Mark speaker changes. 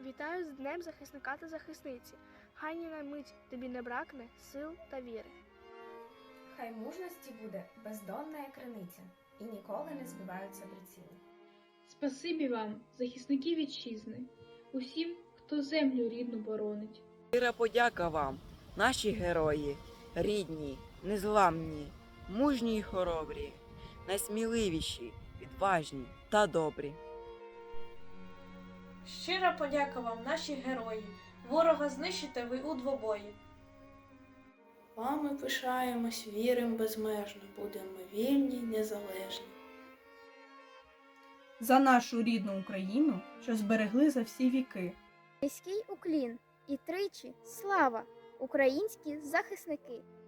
Speaker 1: Вітаю з Днем захисника та захисниці. Хай ні на мить тобі не бракне сил та віри.
Speaker 2: Хай мужності буде бездонна криниця, і ніколи не збиваються приціли.
Speaker 3: Спасибі вам, захисники вітчизни, усім, хто землю рідну боронить.
Speaker 4: Щира подяка вам, наші герої, рідні, незламні, мужні й хоробрі, найсміливіші, відважні та добрі.
Speaker 5: Щира подяка вам, наші герої, ворога знищите ви у двобої.
Speaker 6: Вами пишаємось, вірим безмежно, будемо вільні, незалежні.
Speaker 7: За нашу рідну Україну, що зберегли за всі віки.
Speaker 8: Низький уклін і тричі слава, українські захисники!